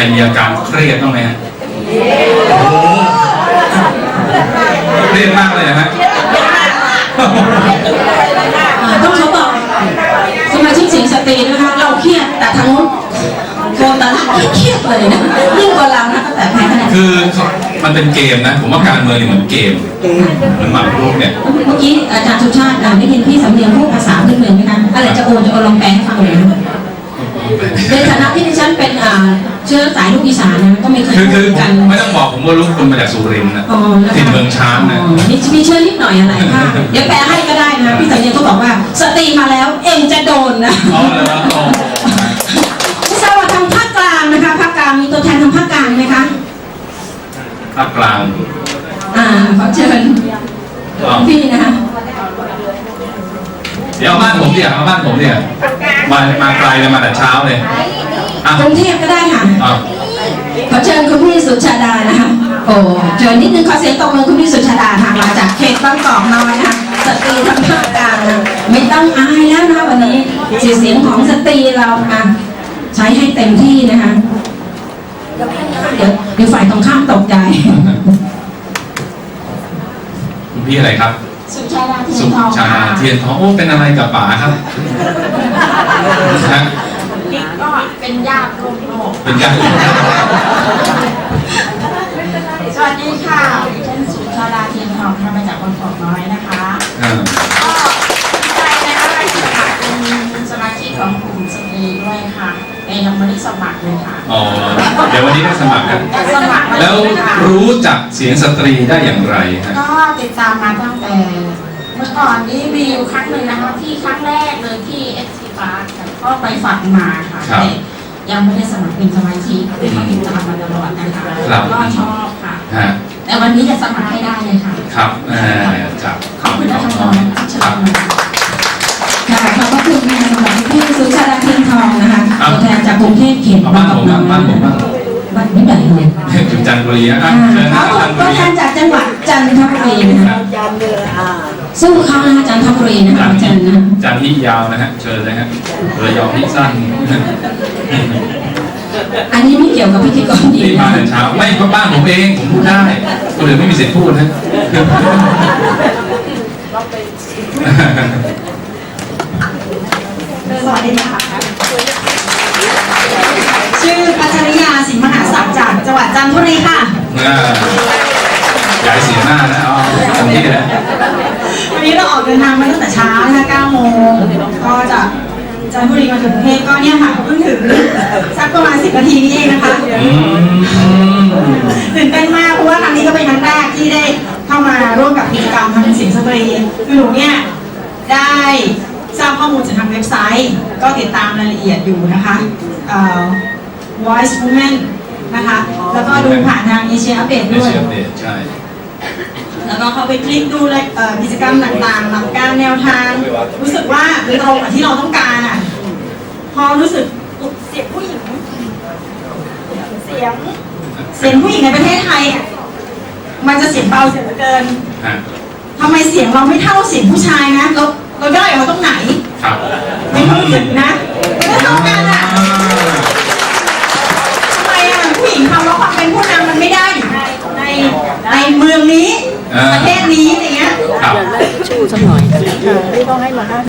มีอาการเครียดบ้างไหมฮะโอ้โหเครียดมากเลยนะฮะต้องเขาบอกสมาชิกเสียงสตรีนะคะเราเครียดแต่ทางนู้นโกนตาเครียดเลยนะยิ่งกว่าเรานะแต่แพ้คะแนนคือมันเป็นเกมนะผมว่าการเมืองนี่เหมือนเกมเหมือนหมากรุกเนี่ยเมื่อกี้อาจารย์สุชาติได้ยินพี่สำเนียงพูดภาษาพื้นเมืองไหมคะอะไรจะโอนลองแปลให้ฟังหน่อยในฐานะที่ดิฉันเป็นเชื้อสายลูกอีสานนะก็ไม่เคยคือกันไม่ต้องบอกผมว่าลูกคุณมาจากสุรินทร์นะถิ่นเมืองช้างนะมีเชื้อนิดหน่อยอะไรค่ะเดี๋ยวแปลให้ก็ได้นะพี่สำเนียงก็บอกว่าสตรีมาแล้วเอ็งจะโดนนะไม่ทราบว่าทางภาคกลางนะคะภาคกลางมีตัวแทนทางภาคกลางไหมคะภาคกลางขอเชิญพี่นะคะเดี๋ยวบ้านผมเนี่ยมาบ้านผมเนี่ยมาไกลเลยมาแต่เช้าเลยกรุงเทพก็ได้ค่ะขอเชิญคุณพี่สุชาดานะคะโอ้เชิญนิดนึงขอเสียงตบมือคุณพี่สุชาดาค่ะมาจากเขตบางกอกน้อยนะคะสตรีทางภาคกลางนะไม่ต้องอายแล้วนะวันนี้เสียงของสตรีเราใช้ให้เต็มที่นะคะเดี๋ยวฝ่ายตรงข้ามตกใจคุณพี่อะไรครับสุชาดาเทียนทองสุชาดาเทียนทองโอ้เป็นอะไรกับป๋าครับนี่ก็เป็นญาติร่วมโลกเป็นญาติสวัสดีค่ะฉันสุชาดาเทียนทองค่ะมาจากบางกอกน้อยนะคะก็ดีใจนะคะเป็นสมาชิกของกลุ่มสตรีด้วยค่ะแต่ยังไม่ได้สมัครเลยค่ะอ๋อเดี๋ยววันนี้ได้สมัครกันแล้วรู้จักเสียงสตรีได้อย่างไรฮะก็ติดตามมาตั้งแต่เมื่อก่อนนี้มีอยู่ครั้งหนึ่งนะคะที่ครั้งแรกเลยที่เอสทีพาร์ก็ไปฝักมาค่ะแต่ยังไม่ได้สมัครเป็นสมาชิกแต่ก็ติดตามมาตลอดนะคะก็ชอบค่ะแต่วันนี้จะสมัครให้ได้เลยค่ะครับจากขอบคุณท่านรองค่ะขอบพระคุณนะคะสำหรับพี่สุชาดาเทียนทองนะคะตัวแทนจากกรุงเทพเขตบ้านผมบ้านไม่ใหญ่เลยถึงจันทบุรีนะตัวแทนจากจังหวัดจันทบุรีนะคะสู้เขานะคะจันทบุรีนะคะจันที่ยาวนะฮะเชิญเลยฮะระยองที่สั้นอันนี้ไม่เกี่ยวกับพิธีกรที่มาแต่เช้าไม่เพราะบ้านผมเองผมพูดได้คนอื่นไม่มีสิทธิ์พูดนะสวัสดีค่ะชื่อปัชริยาสิงห์มหาศักดิ์จากจังหวัดจันทบุรีค่ะใหญ่เสียงหน้านะตรงนี้นะวันนี้เราออกเดินทางมาตั้งแต่เช้านะคะ9 โมงก็จากจันทบุรีมาถึงกรุงเทพก็เนี่ยค่ะเพิ่งถึงสักประมาณ10 นาทีนี้เองนะคะตื่นเต้นมากเพราะว่าครั้งนี้ก็เป็นครั้งแรกที่ได้เข้ามาร่วมกับกิจกรรมทางเสียงสตรีคือหนูเนี่ยได้ทราบข้อมูลจากทางเว็บไซต์ก็ติดตามรายละเอียดอยู่นะคะ Voice Women นะคะแล้วก็ดูผ่านทาง Asia Update ด้วยใช่แล้วก็เข้าไปคลิกดูกิจกรรมต่างๆหลักการแนวทางรู้สึกว่าตรงกับที่เราต้องการอ่ะพอรู้สึกเสียงผู้หญิงเสียงผู้หญิงในประเทศไทยมันจะเสียงเบาเสียงเหลือเกินทำไมเสียงเราไม่เท่าเสียงผู้ชายนะเราได้เอาตรงไหนในความรู้สึกนะไม่เท่ากันอ่ะทำไมผู้หญิงทำแล้วความเป็นผู้นำมันไม่ได้ในเมืองนี้ประเทศนี้อย่างเงี้ยชูสักหน่อยนี่ต้องให้มา